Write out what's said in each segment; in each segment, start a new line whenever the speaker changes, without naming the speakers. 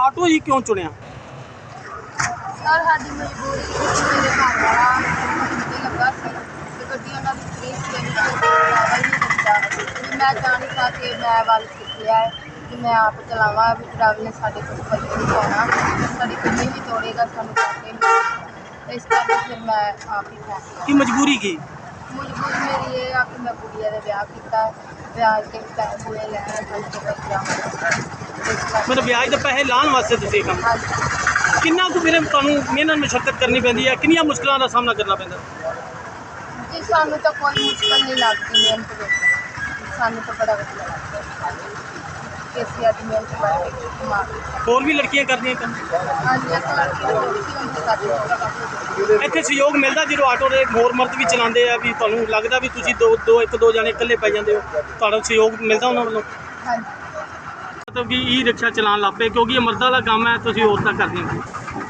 Auto ਹੀ ਕਿਉਂ ਚੁਣਿਆ?
Sir ਸਾਡੀ ਮਜਬੂਰੀ ਸੀ ਕਿ ਮੇਰੇ ਘਰ ਵਾਲਾ ਤੇ ਲੱਗਾ ਸੀ ਤੇ ਗੱਡੀ ਉਹਨਾਂ ਦੀ ਫ੍ਰੀ ਸੀ ਨਹੀਂ ਦਿੱਤਾ ਵੀ ਮੈਂ ਜਾਣ ਸਾ ਕੇ ਮੈਂ ਵੱਲ ਸਿੱਖ ਲਿਆ ਹੈ ਕਿ ਮੈਂ ਆਪ ਚਲਾਵਾਂ ਵੀ ਡਰਾਈਵਰ ਨੇ ਸਾਡੇ ਕੋਲ ਪੈਸੇ ਨਹੀਂ ਪਾਉਣਾ ਸਾਡੀ ਗੱਡੀ ਵੀ ਤੋੜੇਗਾ ਸਾਨੂੰ ਪੈਸੇ ਨਹੀਂ ਇਸ ਕਰਕੇ ਫਿਰ ਮੈਂ ਆਪ ਹੀ ਫੈਸਲਾ
ਕੀ ਮਜਬੂਰੀ ਕੀ?
ਮਜਬੂਰੀ ਮੇਰੀ ਇਹ ਆ ਕਿ ਮੈਂ ਕੁੜੀਆਂ ਦਾ ਵਿਆਹ ਕੀਤਾ ਵਿਆਹ ਕੇ ਪੈਸੇ ਪੂਰੇ ਲੈਣੇ ਸਾਨੂੰ ਤੋਂ ਬੱਚਿਆਂ
ਮਤਲਬ ਵਿਆਜ ਦੇ ਪੈਸੇ ਲਾਉਣ ਵਾਸਤੇ ਤੁਸੀਂ ਇਹ ਕੰਮ ਕਿੰਨਾ ਕੁ ਫਿਰ ਤੁਹਾਨੂੰ ਮਿਹਨਤ ਮੁਸ਼ੱਕਤ ਕਰਨੀ ਪੈਂਦੀ ਹੈ, ਕਿੰਨੀਆਂ ਮੁਸ਼ਕਲਾਂ ਦਾ ਸਾਹਮਣਾ ਕਰਨਾ ਪੈਂਦਾ?
ਜੀ ਸਾਨੂੰ ਤਾਂ ਕੋਈ ਮੁਸ਼ਕਲ ਨਹੀਂ ਲੱਗਦੀ ਮਿਹਨਤ ਵਿੱਚ ਸਾਨੂੰ ਤਾਂ ਬੜਾ ਵਧੀਆ ਲੱਗਦਾ ਕਿ ਅਸੀਂ ਅੱਜ ਮਿਹਨਤ ਕਰਕੇ ਕਮਾ
ਹੋਰ ਵੀ ਲੜਕੀਆਂ ਕਰਦੀਆਂ ਕੰਮ?
ਹਾਂਜੀ ਇੱਕ ਲੜਕੀ ਹੋਰ ਸੀ ਉਹਨੂੰ ਕਰਦੇ
ਇੱਥੇ ਸਹਿਯੋਗ ਮਿਲਦਾ ਜਦੋਂ ਆਟੋ ਦੇ ਹੋਰ ਮਰਦ ਵੀ ਚਲਾਉਂਦੇ ਆ ਵੀ ਤੁਹਾਨੂੰ ਲੱਗਦਾ ਵੀ ਤੁਸੀਂ ਇੱਕ ਦੋ ਜਾਣੇ ਇਕੱਲੇ ਪੈ ਜਾਂਦੇ ਹੋ, ਤੁਹਾਡਾ ਸਹਿਯੋਗ ਮਿਲਦਾ ਉਹਨਾਂ ਵੱਲੋਂ?
ਹਾਂਜੀ
ਮਤਲਬ ਕਿ ਈ ਰਿਕਸ਼ਾ ਚਲਾਉਣ ਲੱਗ ਪਏ ਕਿਉਂਕਿ ਇਹ ਮਰਦਾਂ ਦਾ ਕੰਮ ਹੈ, ਤੁਸੀਂ ਔਰਤਾਂ ਕਰਦੀਆਂ
ਤੇ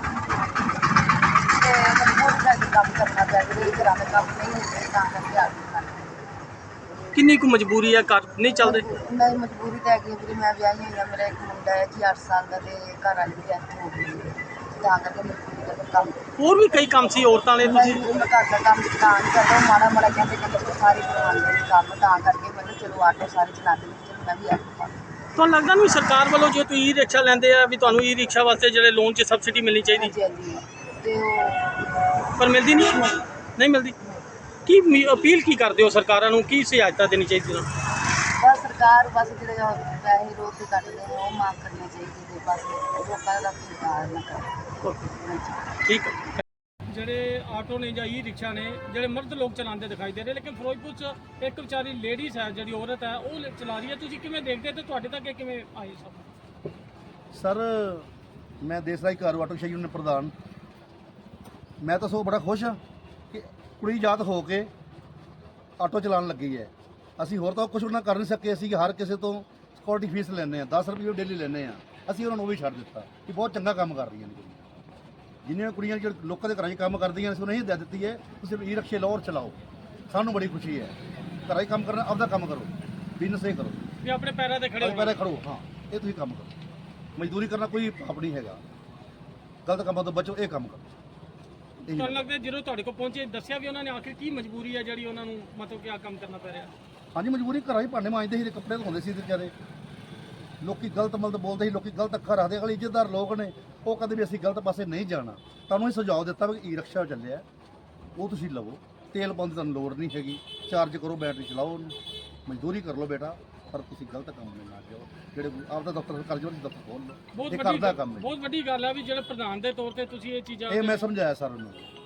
ਬਹੁਤ ਜ਼ਿਆਦਾ ਕੰਮ ਕਰਨਾ ਚਾਹੀਦਾ ਇਹ ਘਰਾਂ ਦਾ ਕੰਮ ਨਹੀਂ ਹੁੰਦੇ ਤਾਂ ਕਰਕੇ ਆ ਗਏ
ਕਿੰਨੀ ਕੁ ਮਜਬੂਰੀ ਹੈ, ਘਰ ਨਹੀਂ ਚੱਲਦੇ?
ਮੇਰੀ ਮਜਬੂਰੀ ਤਾਂ ਹੈਗੀ ਵੀ ਮੈਂ ਵਿਆਹੀ ਹੋਈ ਹਾਂ ਮੇਰਾ ਇੱਕ ਮੁੰਡਾ ਹੈ ਜੀ 8 ਸਾਲ ਦਾ ਤੇ ਘਰ ਵਾਲੀ ਦੀ ਡੈਥ ਹੋ ਗਈ ਤਾਂ ਕਰਕੇ ਮਜਬੂਰੀ ਦਾ ਕੰਮ
ਹੋਰ ਵੀ ਕਈ ਕੰਮ ਸੀ ਔਰਤਾਂ ਵਾਲੇ ਤੁਸੀਂ?
ਮੈਂ ਘਰ ਦਾ ਕੰਮ ਤਾਂ ਨਹੀਂ ਕਰਦਾ ਮਾੜਾ ਮਾੜਾ ਕਹਿੰਦੇ ਸਾਰੇ ਕਰਵਾਉਂਦੇ ਨੇ ਕੰਮ ਤਾਂ ਕਰਕੇ ਮੈਂ ਕਿਹਾ ਚਲੋ ਆਟੋ ਸਾਰੇ ਚਲਾਉਂਦੇ ਨੇ ਚਲੋ ਮੈਂ ਵੀ ਆਟੋ ਪਾ
ਤੁਹਾਨੂੰ ਲੱਗਦਾ ਨਹੀਂ ਸਰਕਾਰ ਵੱਲੋਂ ਜੇ ਤੁਸੀਂ ਈ ਰਿਕਸ਼ਾ ਲੈਂਦੇ ਆ ਵੀ ਤੁਹਾਨੂੰ ਈ ਰਿਕਸ਼ਾ ਵਾਸਤੇ ਜਿਹੜੇ ਲੋਨ 'ਚ ਸਬਸਿਡੀ ਮਿਲਣੀ ਚਾਹੀਦੀ
ਹਾਂਜੀ ਤੇ ਉਹ
ਪਰ ਮਿਲਦੀ ਨਹੀਂ ਮਿਲਦੀ? ਕੀ ਅਪੀਲ ਕੀ ਕਰਦੇ ਹੋ ਸਰਕਾਰਾਂ ਨੂੰ, ਕੀ ਸਹਾਇਤਾ ਦੇਣੀ ਚਾਹੀਦੀ ਉਹਨਾਂ ਨੂੰ?
ਬਸ ਸਰਕਾਰ ਬਸ ਜਿਹੜੇ ਪੈਸੇ ਰੋਕ ਕੇ ਕੱਟਦੇ ਨੇ ਉਹ ਮਾਫ ਕਰਨੇ ਚਾਹੀਦੇ ਨੇ ਬਸ ਲੋਕਾਂ ਦਾ ਸਰਕਾਰ ਨਾ ਕਰੇ
ਠੀਕ ਹੈ। ਜਿਹੜੇ ਆਟੋ ਨੇ ਜਾਂ ਈ ਰਿਕਸ਼ਾ ਨੇ ਜਿਹੜੇ ਮਰਦ ਲੋਕ ਚਲਾਉਂਦੇ ਦਿਖਾਈ ਦੇ ਰਹੇ, ਲੇਕਿਨ ਫਿਰੋਜ਼ਪੁਰ 'ਚ ਇੱਕ ਵਿਚਾਰੀ ਲੇਡੀਜ਼ ਹੈ ਜਿਹੜੀ ਔਰਤ ਹੈ ਉਹ ਚਲਾ ਰਹੀ ਹੈ, ਤੁਸੀਂ ਕਿਵੇਂ ਦੇਖਦੇ ਤੇ ਤੁਹਾਡੇ ਤੱਕ ਇਹ ਕਿਵੇਂ ਆਈ ਸਭ?
ਸਰ ਮੈਂ ਦੇਸ਼ ਰਾਜ ਘਰ ਆਟੋ ਸ਼ਾਹੀ ਯੂਨੀਅਨ ਪ੍ਰਧਾਨ, ਮੈਂ ਤਾਂ ਸੋ ਬੜਾ ਖੁਸ਼ ਹਾਂ ਕਿ ਕੁੜੀ ਆਜ਼ਾਦ ਹੋ ਕੇ ਆਟੋ ਚਲਾਉਣ ਲੱਗੀ ਹੈ। ਅਸੀਂ ਹੋਰ ਤਾਂ ਕੁਝ ਉਹਨਾਂ ਕਰ ਨਹੀਂ ਸਕੇ, ਅਸੀਂ ਹਰ ਕਿਸੇ ਤੋਂ ਸਿਕਿਉਰਿਟੀ ਫੀਸ ਲੈਂਦੇ ਹਾਂ, 10 ਰੁਪਏ ਡੇਲੀ ਲੈਂਦੇ ਹਾਂ, ਅਸੀਂ ਉਹਨਾਂ ਨੂੰ ਉਹ ਵੀ ਛੱਡ ਦਿੱਤਾ ਕਿ ਬਹੁਤ ਚੰਗਾ ਕੰਮ ਕਰ ਰਹੀਆਂ ਨੇ ਕੁੜੀਆਂ। ਜਿੰਨੀਆਂ ਕੁੜੀਆਂ ਜਿਹੜੇ ਲੋਕਾਂ ਦੇ ਘਰਾਂ 'ਚ ਕੰਮ ਕਰਦੀਆਂ ਨੇ ਅਸੀਂ ਨਹੀਂ ਦੇ ਦਿੱਤੀ ਹੈ, ਤੁਸੀਂ ਈ ਰਿਕਸ਼ੇ ਲਓ ਔਰ ਚਲਾਓ, ਸਾਨੂੰ ਬੜੀ ਖੁਸ਼ੀ ਹੈ। ਘਰਾਂ 'ਚ ਕੰਮ ਕਰਨਾ ਆਪਦਾ ਕੰਮ ਕਰੋ, ਬਿਜ਼ਨਸ ਇਹ ਕਰੋ
ਵੀ ਆਪਣੇ ਪੈਰਾਂ ਤੇ ਖੜੇ
ਪੈਰਾਂ ਖੜੋ, ਹਾਂ ਇਹ ਤੁਸੀਂ ਕੰਮ ਕਰੋ। ਮਜ਼ਦੂਰੀ ਕਰਨਾ ਕੋਈ ਪਾਪ ਨਹੀਂ ਹੈਗਾ, ਗਲਤ ਕੰਮਾਂ ਤੋਂ ਬਚੋ, ਇਹ ਕੰਮ ਕਰੋ।
ਤੁਹਾਨੂੰ ਲੱਗਦਾ ਜਦੋਂ ਤੁਹਾਡੇ ਕੋਲ ਪਹੁੰਚੇ ਦੱਸਿਆ ਵੀ ਉਹਨਾਂ ਨੇ ਆਖਿਰ ਕੀ ਮਜਬੂਰੀ ਹੈ ਜਿਹੜੀ ਉਹਨਾਂ ਨੂੰ ਮਤਲਬ ਕਿ ਆ ਕੰਮ ਕਰਨਾ ਪੈ ਰਿਹਾ?
ਹਾਂਜੀ ਮਜਬੂਰੀ ਘਰਾਂ 'ਚ ਭਾਂਡੇ ਮਾਂਜਦੇ ਸੀ ਤੇ ਕੱਪੜੇ ਧੋਂਦੇ ਸੀ ਤੇ ਵਿਚਾਰੇ ਲੋਕੀ ਗਲਤ ਮਲਤ ਬੋਲਦੇ ਸੀ, ਲੋਕੀ ਗਲਤ ਅੱਖਾਂ ਰੱਖਦੇ। ਅਗਲੇ ਇੱਜ਼ਤਦਾਰ ਲੋਕ ਨੇ ਉਹ ਕਹਿੰਦੇ ਵੀ ਅਸੀਂ ਗਲਤ ਪਾਸੇ ਨਹੀਂ ਜਾਣਾ। ਤੁਹਾਨੂੰ ਇਹ ਸੁਝਾਅ ਦਿੱਤਾ ਵੀ ਈ ਰਿਕਸ਼ਾ ਚੱਲਿਆ ਉਹ ਤੁਸੀਂ ਲਵੋ, ਤੇਲ ਪਾਉਣ ਦੀ ਤੁਹਾਨੂੰ ਲੋੜ ਨਹੀਂ ਹੈਗੀ, ਚਾਰਜ ਕਰੋ, ਬੈਟਰੀ ਚਲਾਓ ਉਹਨੂੰ, ਮਜ਼ਦੂਰੀ ਕਰ ਲਓ ਬੇਟਾ, ਪਰ ਤੁਸੀਂ ਗਲਤ ਕੰਮ ਨਹੀਂ ਨਾ ਜਾਓ। ਜਿਹੜੇ ਆਪਦਾ ਦਫ਼ਤਰ ਕਰ ਜਾਓ, ਦਫ਼ਤਰ ਖੋਲ੍ਹ ਲਓ, ਇਹ ਕਰਦਾ ਕੰਮ ਹੈ।
ਬਹੁਤ ਵੱਡੀ ਗੱਲ ਹੈ ਵੀ ਜਿਹੜੇ ਪ੍ਰਧਾਨ ਦੇ ਤੌਰ ਤੇ ਤੁਸੀਂ ਇਹ ਚੀਜ਼ਾਂ
ਇਹ ਮੈਂ ਸਮਝਾਇਆ ਸਰ ਉਹਨੂੰ।